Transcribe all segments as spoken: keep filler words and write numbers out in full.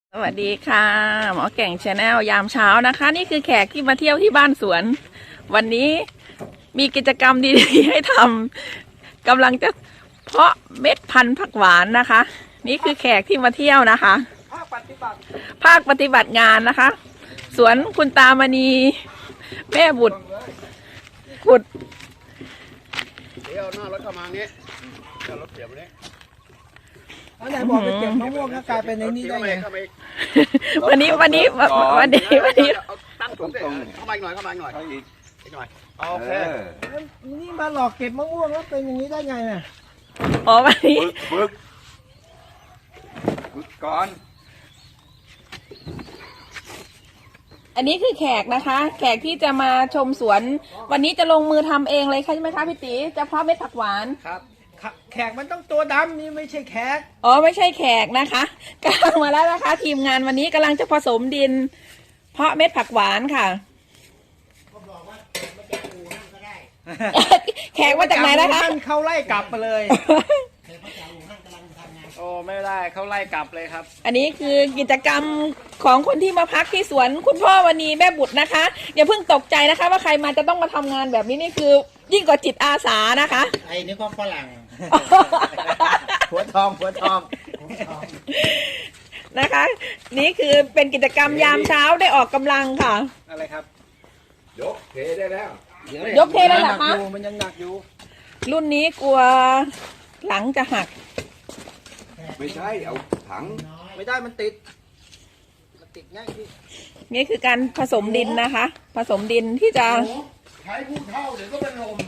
สวัสดีค่ะหมอเก่งชาแนลยามเช้านะคะ นี่คือแขกที่มาเที่ยวที่บ้านสวน วันนี้มีกิจกรรมดีๆให้ทำกำลังจะเพาะเม็ดพันธุ์ผักหวานนะคะ นี่คือแขกที่มาเที่ยวนะคะภาคปฏิบัติภาคปฏิบัติงานนะคะ สวนคุณตามณีแม่บุตรบุตรเดี๋ยวหน้ารถเข้ามาเงี้ยเดี๋ยวรถเสียบมาเนี้ยอันไหนบอกไปเก็บมะม่วงก็กลายเป็นในนี้ได้ไงเข้ามาอีกวันนี้วันนี้วันนี้วันนี้เอาตั้งตรงเข้ามาอีกหน่อยเข้ามาอีกหน่อยอีกอีกหน่อยโอเคนี่มาหลอกเก็บมะม่วงแล้วเป็นอย่างนี้ได้ไงน่ะอ๋อวันนี้ฝึกฝึกก่อนอันนี้คือแขกนะคะ แขกที่จะมาชมสวน วันนี้จะลงมือทำเองเลยใช่ไหมคะพี่ตีจะเพาะเม็ดผักหวานครับแขกมันต้องตัวดำนี่ไม่ใช่แขกอ๋อไม่ใช่แขกนะคะกำลังมาแล้วนะคะ ทีมงานวันนี้กำลังจะผสมดิน เพาะเม็ดผักหวานค่ะ แขกมาจากไหนนะคะท่านเขาไล่กลับมาเลยโอ้ไม่ได้เขาไล่กลับเลยครับอันนี้คือกิจกรรมของคนที่มาพักที่สวนคุณพ่อวันนี้แม่บุตรนะคะอย่าเพิ่งตกใจนะคะ ว่าใครมาจะต้องมาทำงานแบบนี้นี่คือยิ่งกว่าจิตอาสานะคะไอ้นี่ก็ฝรั่งหัวทองหัวทองนะคะ นี่คือเป็นกิจกรรมยามเช้าได้ออกกำลังค่ะอะไรครับยกเทได้แล้วยกเทเลยเหรอคะมันยังหนักอยู่รุ่นนี้กลัวหลังจะหักไม่ใช่เอาถังไม่ได้มันติดมันติดง่ายพี่นี่คือการผสมดินนะคะ ผสมดินที่จะใช้ผู้เท่าเดี๋ยวก็เป็นลม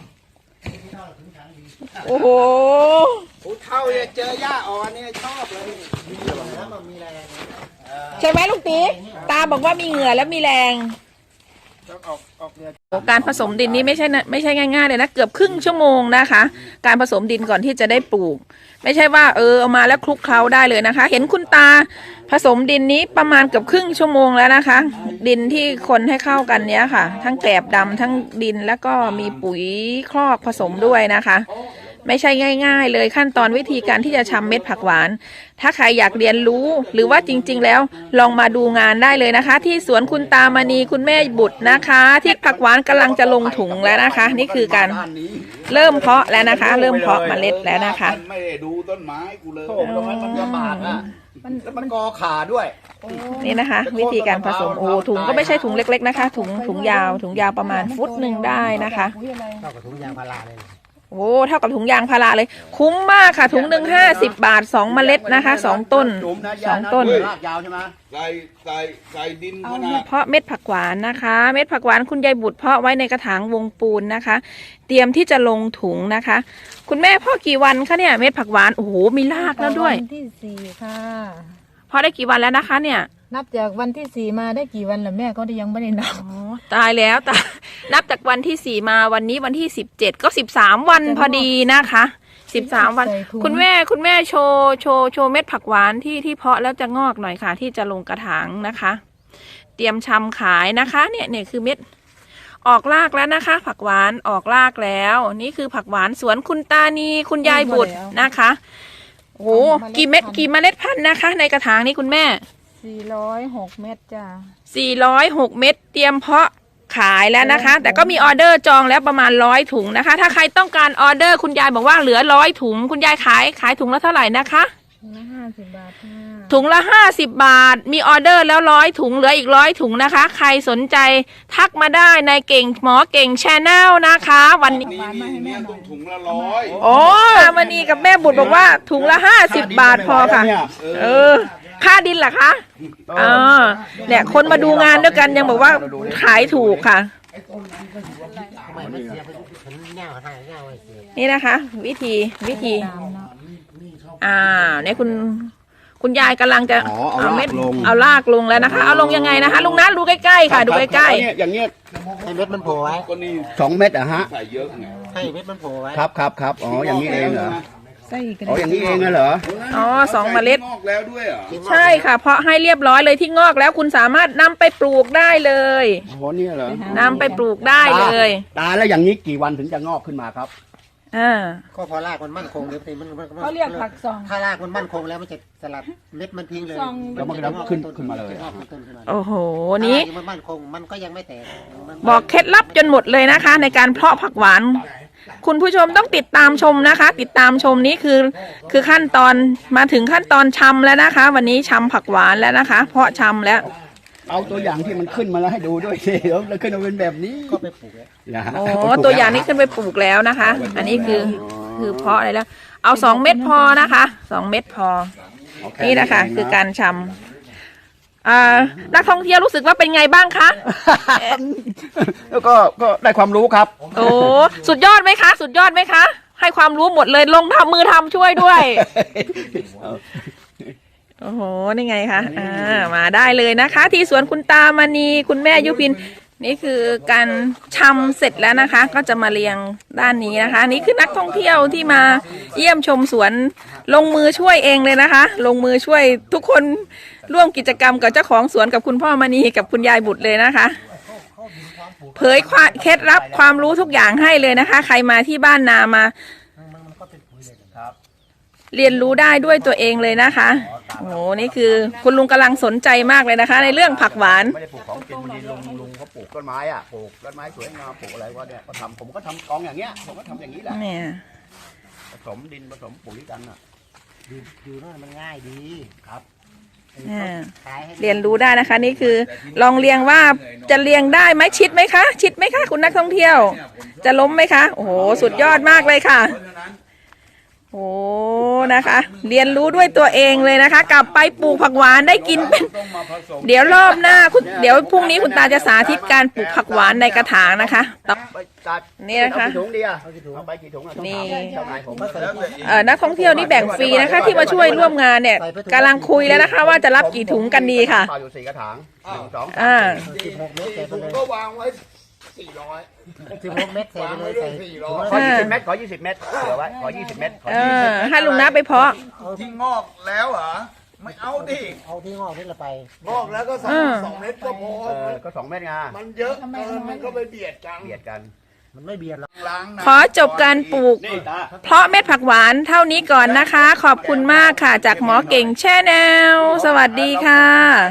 โอ้โหผู้เท่าเนี่ยเจอหญ้าอ่อนเนี่ยชอบเลยมีเหงื่อแล้วมันมีแรงใช่ไหมลูกตีตาบอกว่ามีเหงื่อและมีแรงต้องออกออกเรือการผสมดินนี้ไม่ใช่นะไม่ใช่ง่ายๆเลยนะเกือบครึ่งชั่วโมงนะคะ การผสมดินก่อนที่จะได้ปลูก ไม่ใช่ว่าเออเอามาแล้วคลุกเคล้าได้เลยนะคะ เห็นคุณตาผสมดินนี้ประมาณเกือบครึ่งชั่วโมงแล้วนะคะ ดินที่คนให้เข้ากันเนี้ยค่ะ ทั้งแกลบดำทั้งดินแล้วก็มีปุ๋ยคลอกผสมด้วยนะคะ ไม่ใช่ง่ายๆเลยขั้นตอนวิธีการที่จะทำเม็ดผักหวาน ถ้าใครอยากเรียนรู้หรือว่าจริงๆแล้วลองมาดูงานได้เลยนะคะ ที่สวนคุณตามณีคุณแม่บุตรนะคะ ที่ผักหวานกำลังจะลงถุงแล้วนะคะ นี่คือการเริ่มเพาะแล้วนะคะ เริ่มเพาะเมล็ดแล้วนะคะไม่ได้ดูต้นไม้กูเลยโอ้ตรงนั้นมันลำบากอ่ะมันมันกอขาด้วยนี่นะคะ วิธีการผสมโอ้ถุงก็ไม่ใช่ถุงเล็กๆนะคะ ถุงถุงยาวถุงยาวประมาณฟุตหนึ่งได้นะคะเท่ากับถุงยางพาราเลยโอ้เท่ากับถุงยางพาราเลย คุ้มมากค่ะ ถุงหนึ่งห้าสิบบาทสองเมล็ดนะคะสองต้นสองต้นรากยาวใช่ไหมใส่ใส่ใส่ดินเอาขนามาดเพาะเม็ดผักหวานนะคะ เม็ดผักหวานคุณยายบุตรเพาะไว้ในกระถางวงปูนนะคะ เตรียมที่จะลงถุงนะคะ คุณแม่เพาะกี่วันคะเนี่ยเม็ดผักหวานโอ้โหมีรากแล้วด้วยวันที่สี่ค่ะเพาะได้กี่วันแล้วนะคะเนี่ยนับจากวันที่สี่มาได้กี่วันแล้วแม่ก็ยังไม่ได้นับอ๋อตายแล้วตายนับจากวันที่สี่มาวันนี้วันที่สิบเจ็ดก็สิบสามวันพอดีนะคะสิบสามวันใส่ถุงคุณแม่คุณแม่โชว์โชว์โชว์เม็ดผักหวานที่ที่เพาะแล้วจะงอกหน่อยค่ะ ที่จะลงกระถางนะคะ เตรียมชำขายนะคะ เนี่ยเนี่ยคือเม็ดออกรากแล้วนะคะ ผักหวานออกรากแล้ว นี่คือผักหวานสวนคุณตานีคุณยายบุตรนะคะโอ้โหกี่เม็ดกี่เมล็ดพันธุ์นะคะ ในกระถางนี้คุณแม่สี่ร้อยหกเม็ดจ้าสี่ร้อยหกเม็ดเตรียมเพาะขายแล้วนะคะ แต่ก็มีออเดอร์จองแล้วประมาณร้อยถุงนะคะ ถ้าใครต้องการออเดอร์คุณยายบอกว่าเหลือร้อยถุงคุณยายขายขายถุงละเท่าไหร่นะคะถุงละห้าสิบบาทค่ะถุงละห้าสิบบาทมีออเดอร์แล้วร้อยถุงเหลืออีกร้อยถุงนะคะ ใครสนใจทักมาได้ในเก่งหมอเก่งชาแนลนะคะ วันนี้นี่นี่เนี่ยต้องถุงละร้อยโอ้วันนี้กับแม่บุตรบอกว่าถุงละห้าสิบบาทพอค่ะ เออ ค่าดินเหรอคะอ่าเนี่ยคนมาดูงานด้วยกันยังบอกว่าขายถูกค่ะ นี่นะคะ วิธีวิธีตามเนาะอ่าเนี่ยคุณคุณยายกำลังจะอ๋อเอารากลงเอาลากลงแล้วนะคะ เอาลงยังไงนะคะลุงนัทดูใกล้ๆค่ะ ดูใกล้ๆอย่างเงี้ยให้เม็ดมันโผล่ไว้ก็นี่สองเม็ดอะฮะใส่เยอะไงให้เม็ดมันโผล่ไว้ครับครับครับอ๋ออย่างนี้เองเหรอไส้กระอ๋อเด็อย่างนี้เองเหรอๆอ๋อสองเมล็ดงอกแล้วด้วยเหรอใช่ค่ะ เพราะให้เรียบร้อยเลยที่งอกแล้วคุณสามารถนำไปปลูกได้เลยอ๋อเนี่ยเหรอนำไปปลูกได้เลยตาแล้วอย่างนี้กี่วันถึงจะงอกขึ้นมาครับอ่าก็พอรากมันมั่นคงเดี๋ยวมันมันมันเขาเรียกผักซองถ้ารากมันมั่นคงแล้วมันจะสลัดเม็ดมันทิ้งเลยซองแล้วมันก็จะขึ้นขึ้นมาเลยงอกต้นขึ้นมาเลยโอ้โหนี้ถ้ารากมันมั่นคงมันก็ยังไม่แตกมันบอกเคล็ดลับจนหมดเลยนะคะ ในการเพาะผักหวาน คุณผู้ชมต้องติดตามชมนะคะ ติดตามชมนี้คือ คือขั้นตอนมาถึงขั้นตอนชำแล้วนะคะ วันนี้ชำผักหวานแล้วนะคะ เพาะชำแล้วเอาตัวอย่างที่มันขึ้นมาแล้วให้ดูด้วยสิแล้วขึ้นมาเป็นแบบนี้ก็ไปปลูกแล้วนะโอ้ตัวอย่างนี้ขึ้นไปปลูกแล้วนะคะ อันนี้คือคือเพาะอะไรแล้ว เอาสองเม็ดพอนะคะสองเม็ดพอ นี่นะคะ คือการชำอ่านักท่องเที่ยวรู้สึกว่าเป็นไงบ้างคะแล้วก็ก็ได้ความรู้ครับโอ้สุดยอดไหมคะ สุดยอดไหมคะ ให้ความรู้หมดเลยลงทำมือทำช่วยด้วย โอ้โห นี่ไงคะ อ่า มาได้เลยนะคะ ที่สวนคุณตามณีคุณแม่ยุพิน นี่คือการชำเสร็จแล้วนะคะ ก็จะมาเรียงด้านนี้นะคะ นี่คือนักท่องเที่ยวที่มาเยี่ยมชมสวนลงมือช่วยเองเลยนะคะ ลงมือช่วยทุกคนร่วมกิจกรรมกับเจ้าของสวนกับคุณพ่อมณีกับคุณยายบุตรเลยนะคะ เผยความเคล็ดลับความรู้ทุกอย่างให้เลยนะคะ ใครมาที่บ้านนามา เรียนรู้ได้ด้วยตัวเองเลยนะคะโอ้โหนี่คือคุณลุงกำลังสนใจมากเลยนะคะ ในเรื่องผักหวานไม่ได้ปลูกของกินบางทีลุงลุงเขาปลูกต้นไม้อ่ะปลูกต้นไม้สวยงามปลูกอะไรก็เนี่ยก็ทำผมก็ทำกองอย่างเงี้ยผมก็ทำอย่างนี้แหละเนี่ยผสมดินผสมปุ๋ยกันอ่ะดูดูนั่นมันง่ายดีครับอ่าขายให้เรียนรู้ได้นะคะ นี่คือลองเรียงว่าจะเรียงได้ไหมชิดไหมคะ ชิดไหมคะคุณนักท่องเที่ยว จะล้มไหมคะโอ้โหสุดยอดมากเลยค่ะโอ้นะคะ เรียนรู้ด้วยตัวเองเลยนะคะ กลับไปปลูกผักหวานได้กินเป็นเดี๋ยวรอบหน้าคุณเดี๋ยวพรุ่งนี้คุณตาจะสาธิตการปลูกผักหวานในกระถางนะคะต่อไปตัดนี่นะคะเอากี่ถุงดีอ่ะเอาไปกี่ถุงอ่ะต้องนี่ถามเจ้านายผมเอ่อนักท่องเที่ยวนี่แบ่งฟรีนะคะ ที่มาช่วยร่วมงานเนี่ยกำลังคุยแล้วนะคะ ว่าจะรับกี่ถุงกันดีค่ะเปล่าอยู่สี่กระถางหนึ่งสองอ่าสิบหกเมตรใส่ไปถุงเลยก็วางไว้สี่ร้อยสิบหกเมตรใส่ไปเลยใส่ถุงขอละยี่สิบเมตรขอยี่สิบเมตรเหลือไว้ขอยี่สิบเมตรขอเอยี่สิบอให้ลุงนะไปเพาะที่งอกแล้วเหรอ ไม่เอาดิเอาที่งอกนี่ละไปงอกแล้วก็สองอ่าสองเม็ดก็พอเออก็สองเมตรไงมันเยอะเกินมันก็ไปเบียดกันเบียดกันมันไม่เบียดหรอกล้างน้ำขอจบการปลูกนี่ตาเพราะเม็ดผักหวานเท่านี้ก่อนนะคะ ขอบคุณมากค่ะ จากหมอเก่งแช่แนว สวัสดีค่ะ